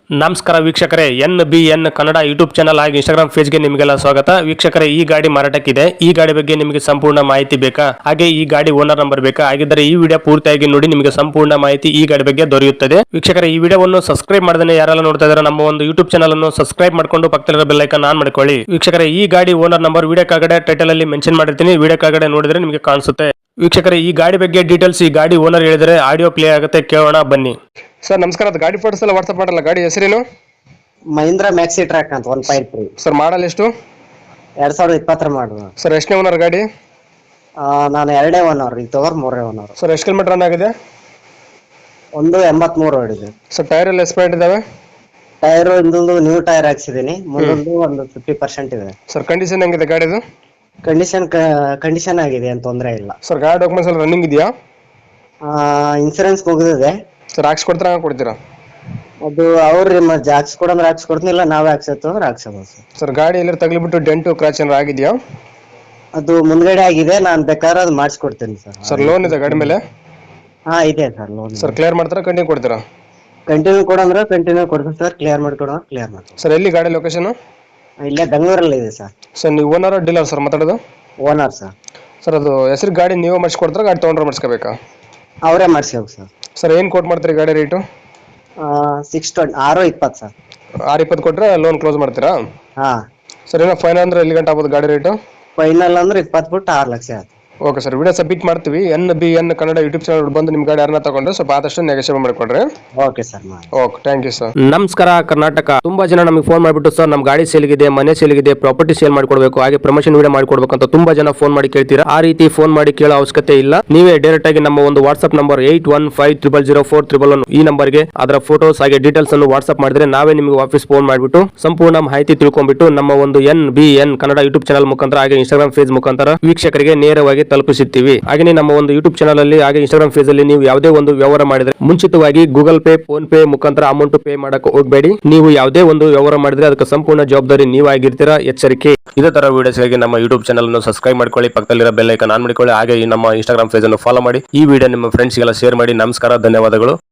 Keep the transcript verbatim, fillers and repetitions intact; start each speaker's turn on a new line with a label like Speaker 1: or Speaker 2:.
Speaker 1: ನಮಸ್ಕಾರ ವೀಕ್ಷಕರೇ, N B N Kannada YouTube channel ಹಾಗೂ ಇನ್ಸ್ಟಾಗ್ರಾಮ್ ಪೇಜ್ಗೆ ನಿಮಗೆಲ್ಲ ಸ್ವಾಗತ. ವೀಕ್ಷಕರೇ, ಈ ಗಾಡಿ ಮಾರಾಟಕ್ಕಿದೆ. ಈ ಗಾಡಿ ಬಗ್ಗೆ ನಿಮಗೆ ಸಂಪೂರ್ಣ ಮಾಹಿತಿ ಬೇಕಾ? ಹಾಗೆ ಈ ಗಾಡಿ ಓನರ್ ನಂಬರ್ ಬೇಕಾ? ಹಾಗಿದ್ದರೆ ಈ ವಿಡಿಯೋ ಪೂರ್ತಿಯಾಗಿ ನೋಡಿ, ನಿಮಗೆ ಸಂಪೂರ್ಣ ಮಾಹಿತಿ ಈ ಗಾಡಿ ಬಗ್ಗೆ ದೊರೆಯುತ್ತದೆ. ವೀಕ್ಷಕರೇ, ಈ ವಿಡಿಯೋವನ್ನು ಸಬ್ಸ್ಕ್ರೈಬ್ ಮಾಡದೇ ಯಾರೆಲ್ಲ ನೋಡ್ತಾ ಇದ್ದಾರೆ ನಮ್ಮ ಒಂದು ಯೂಟ್ಯೂಬ್ ಚಾನಲ್ ಅನ್ನು ಸಬ್ಸ್ಕ್ರೈಬ್ ಮಾಡ್ಕೊಂಡು ಪಕ್ಕದಲ್ಲಿರೋ ಬೆಲ್ ಐಕಾನ್ ಆನ್ ಮಾಡ್ಕೊಳ್ಳಿ. ವೀಕ್ಷಕರೇ, ಈ ಗಾಡಿ ಓನರ್ ನಂಬರ್ ವಿಡಿಯೋ ಕೆಳಗಡೆ ಟೈಟಲ್ ಅಲ್ಲಿ ಮೆನ್ಷನ್ ಮಾಡಿರ್ತೀನಿ, ವಿಡಿಯೋ ಕೆಳಗಡೆ ನೋಡಿದ್ರೆ ನಿಮಗೆ ಕಾಣಿಸುತ್ತೆ. ವೀಕ್ಷಕರೇ, ಈ ಗಾಡಿ ಬಗ್ಗೆ ಡೀಟೇಲ್ಸ್ ಈ ಗಾಡಿ ಓನರ್ ಹೇಳಿದರೆ ಆಡಿಯೋ ಪ್ಲೇ ಆಗುತ್ತೆ, ಕೇಳೋಣ ಬನ್ನಿ. ಸರ್ ನಮಸ್ಕಾರ, ಅದು ಗಾಡಿ ಫೋಟೋಸ್ ಎಲ್ಲ ವಾಟ್ಸ್ಆಪ್ ಮಾಡಲ್ಲ. ಗಾಡಿ ಹೆಸರೇನು?
Speaker 2: ಮಹೀಂದ್ರ ಮ್ಯಾಕ್ಸಿ ಟ್ರ್ಯಾಕ್ ಅಂತ one point three
Speaker 1: sir model ಎಷ್ಟು?
Speaker 2: ಎರಡ್ ಸಾವಿರದ ಇಪ್ಪತ್ತರ ಮಾಡುವ
Speaker 1: ಸರ್ ಎಷ್ಟನೇ ಓನರ್ ಗಾಡಿ?
Speaker 2: ನಾನು ಎರಡೇ ಒನ್ ಅವರ್ ಈಗ ತಗೋರ್ ಮೂರೇ ಒನ್ ಅವರ್.
Speaker 1: ಸರ್ ಎಷ್ಟು ಕಿಲೋಮೀಟರ್ ರನ್ ಆಗಿದೆ?
Speaker 2: ಒಂದು ಎಂಬತ್ಮೂರು ಹೊಡಿದೆ.
Speaker 1: ಸರ್ ಟೈರ್ ಎಲ್ಲ ಎಕ್ಸ್ಪೈರ್ಡ್ ಇದಾವೆ?
Speaker 2: ಟೈರ್ ಇಂದೊಂದು ನ್ಯೂ ಟೈರ್ ಹಾಕ್ಸಿದೀನಿ, ಮುಂದೊಂದು ಒಂದು ಫಿಫ್ಟಿ ಪರ್ಸೆಂಟ್ ಇದೆ.
Speaker 1: ಸರ್ ಕಂಡೀಷನ್ ಹೆಂಗಿದೆ ಗಾಡಿದು?
Speaker 2: ಕಂಡೀಷನ್ ಕಂಡೀಷನ್ ಆಗಿದೆ, ಏನು ತೊಂದರೆ ಇಲ್ಲ.
Speaker 1: ಸರ್ ಗಾಡಿ ಡಾಕ್ಯುಮೆಂಟ್ಸ್ ಎಲ್ಲ ರನ್ನಿಂಗ್ ಇದೆಯಾ?
Speaker 2: ಇನ್ಸೂರೆನ್ಸ್ ಮುಗಿದಿದೆ.
Speaker 1: ಸರ್ ಹಾಕ್ಸ್ ಕೊಡ್ತೀರಾ ಕೊಡ್ತೀರಾ?
Speaker 2: ಅದು ಅವ್ರಿ ಮತ್ತೆ ಹಾಕ್ಸ್ ಕೊಡಂದ್ರೆ ಹಾಕ್ಸ್ ಕೊಡ್ತೀನಿಲ್ಲ, ನಾವೇ ಹಾಕ್ಸತ್ತು ಅಂದ್ರೆ ಹಾಕ್ಸೋದು. ಸರ್
Speaker 1: ಸರ್ ಗಾಡಿ ಎಲ್ಲ ತಗ್ಲಿಬಿಟ್ಟು ಡೆಂಟು ಕ್ರಾಚ್ ಏನಾರು ಆಗಿದೆಯಾ?
Speaker 2: ಅದು ಮುಂದ್ಗಡೆ ಆಗಿದೆ, ನಾನು ಬೇಕಾದ್ರೆ ಅದು ಮಾಡಿಸ್ಕೊಡ್ತೀನಿ ಸರ್.
Speaker 1: ಸರ್ ಲೋನ್ ಇದೆ ಗಾಡಿ ಮೇಲೆ?
Speaker 2: ಹಾ ಇದೆ ಸರ್ ಲೋನ್.
Speaker 1: ಸರ್ ಕ್ಲಿಯರ್ ಮಾಡ್ತಾರಾ ಕಂಟಿನ್ಯೂ ಕೊಡ್ತೀರಾ?
Speaker 2: ಕಂಟಿನ್ಯೂ ಕೊಡಂದ್ರೆ ಕಂಟಿನ್ಯೂ ಕೊಡ್ತೀನಿ ಸರ್, ಕ್ಲಿಯರ್ ಮಾಡ್ಕೊಡೋ ಕ್ಲಿಯರ್ ಮಾಡ್ತೀನಿ.
Speaker 1: ಸರ್ ಎಲ್ಲಿ ಗಾಡಿ ಲೊಕೇಶನ್?
Speaker 2: ಇಲ್ಲೇ ಬೆಂಗಳೂರಲ್ಲಿ ಇದೆ ಸರ್.
Speaker 1: ಸರ್ ನೀವು ಓನರ್ ಡೀಲರ್ ಸರ್ ಮಾತಾಡೋದು?
Speaker 2: Owner sir.
Speaker 1: ಸರ್ ಅದು ಹೆಸರು ಗಾಡಿ ನೀವೇ ಮಾಡಿಸ್ಕೊಡ್ತಾರೆ, ಗಾಡಿ ತೊಗೊಂಡ್ರೆ ಮಾಡಿಸ್ಕೋಬೇಕಾ?
Speaker 2: ಅವರೇ ಮಾಡಿಸ್ಬೇಕು ಸರ್.
Speaker 1: ಸರ್ ಏನು ಕೋಟ್ ಮಾಡ್ತೀರಿ ಗಾಡಿ ರೇಟು?
Speaker 2: ಸಿಕ್ಸ್ ಟ್ವೆಂಟಿ ಆರು ಇಪ್ಪತ್ತು ಸರ್.
Speaker 1: ಆರು ಇಪ್ಪತ್ತು ಕೊಟ್ಟರೆ ಲೋನ್ ಕ್ಲೋಸ್ ಮಾಡ್ತೀರಾ?
Speaker 2: ಹಾ
Speaker 1: ಸರ್ ಏನೋ ಫೈನಲ್ ಅಂದ್ರೆ ಎಲ್ಲಿ ಗಂಟೆ ಆಗ್ಬೋದು ಗಾಡಿ ರೇಟು?
Speaker 2: ಫೈನಲ್ ಅಂದ್ರೆ ಇಪ್ಪತ್ತು ಬಿಟ್ಟು ಆರು ಲಕ್ಷ ಆಯ್ತು.
Speaker 1: ಓಕೆ ಸರ್, ವಿಡಿಯೋ ಸಬ್ಮಿಟ್ ಮಾಡ್ತೀವಿ. N B N Kannada YouTube channel ಬಂದು ನಿಮ್ಮ ಗಾಡಿ ಯಾರನ್ನ ತಗೊಂಡ್ರೆ ಸ್ವಲ್ಪ ಆದಷ್ಟು ನೆಗೋಷಿಯೇಟ್ ಮಾಡಿಕೊಡ್ರಿ.
Speaker 2: Okay sir.
Speaker 1: Okay, thank you sir. ನಮಸ್ಕಾರ ಕರ್ನಾಟಕ. ತುಂಬಾ ಜನ ನಮಗೆ ಫೋನ್ ಮಾಡಿಬಿಟ್ಟು ಸರ್ ನಮ್ಮ ಗಾಡಿ ಸೇಲ್ಗಿದೆ, ಮನೆ ಸೇಲ್ಗಿದೆ, ಪ್ರಾಪರ್ಟಿ ಸೇಲ್ ಮಾಡ್ಕೊಡ್ಬೇಕು, ಹಾಗೆ ಪ್ರಮೋಷನ್ ವಿಡಿಯೋ ಮಾಡ್ಕೊಡ್ಬೇಕು ಅಂತ ತುಂಬಾ ಜನ ಫೋನ್ ಮಾಡಿ ಕೇಳ್ತೀರಾ. ಆ ರೀತಿ ಫೋನ್ ಮಾಡಿ ಕೇಳೋ ಅವಶ್ಯಕತೆ ಇಲ್ಲ. ನೀವೇ ಡೈರೆಕ್ಟ್ ಆಗಿ ನಮ್ಮ ಒಂದು WhatsApp number eight one five triple zero four triple one ಈ ನಂಬರ್ಗೆ ಅದರ ಫೋಟೋಸ್ ಹಾಗೆ ಡೀಟೇಲ್ಸ್ ಅನ್ನು ವಾಟ್ಸ್ಆಪ್ ಮಾಡಿದ್ರೆ ನಾವೇ ನಿಮಗೆ ವಾಪಸ್ ಫೋನ್ ಮಾಡಿಬಿಟ್ಟು ಸಂಪೂರ್ಣ ಮಾಹಿತಿ ತಿಳ್ಕೊಂಡ್ಬಿಟ್ಟು ನಮ್ಮ ಒಂದು N B N Kannada YouTube channel ಮುಖಾಂತರ ಹಾಗೆ ಇನ್ಸ್ಟಾಗ್ರಾಮ್ ಪೇಜ್ ಮುಖಾಂತರ ವೀಕ್ಷಕರಿಗೆ ನೇರವಾಗಿ ತಲುಪಿಸುತ್ತೀವಿ. ಹಾಗೆ ನಮ್ಮ ಒಂದು ಯೂಟ್ಯೂಬ್ ಚಾನಲ್ ಅಲ್ಲಿ ಹಾಗೆ ಇನ್ಸ್ಟಾಗ್ರಾಮ್ ಪೇಜ್ ಅಲ್ಲಿ ನೀವು ಯಾವುದೇ ಒಂದು ವ್ಯವಹಾರ ಮಾಡಿದ್ರೆ ಮುಂಚಿತವಾಗಿ ಗೂಗಲ್ ಪೇ, ಫೋನ್ ಪೇ ಮುಖಾಂತರ ಅಮೌಂಟ್ ಪೇ ಮಾಡಕ್ಕೆ ಹೋಗಬೇಡಿ. ನೀವು ಯಾವುದೇ ಒಂದು ವ್ಯವಹಾರ ಮಾಡಿದ್ರೆ ಅದಕ್ಕೆ ಸಂಪೂರ್ಣ ಜವಾಬ್ದಾರಿ ನೀವಾಗಿರ್ತೀರಾ, ಎಚ್ಚರಿಕೆ. ಇದೇ ತರ ವಿಡಿಯೋಸ್ಗಾಗಿ ನಮ್ಮ ಯೂಟ್ಯೂಬ್ ಚಾನಲ್ ಅನ್ನು ಸಬ್ಸ್ಕ್ರೈಬ್ ಮಾಡ್ಕೊಳ್ಳಿ, ಪಕ್ಕದಲ್ಲಿರೋ ಬೆಲ್ ಐಕಾನ್ ಆನ್ ಮಾಡಿಕೊಳ್ಳಿ, ಹಾಗೆ ನಮ್ಮ ಇನ್ಸ್ಟಾಗ್ರಾಮ್ ಪೇಜ್ ಅನ್ನು ಫಾಲೋ ಮಾಡಿ. ಈ ವಿಡಿಯೋ ನಿಮ್ಮ ಫ್ರೆಂಡ್ಸ್ಗೆಲ್ಲ ಶೇರ್ ಮಾಡಿ. ನಮಸ್ಕಾರ, ಧನ್ಯವಾದಗಳು.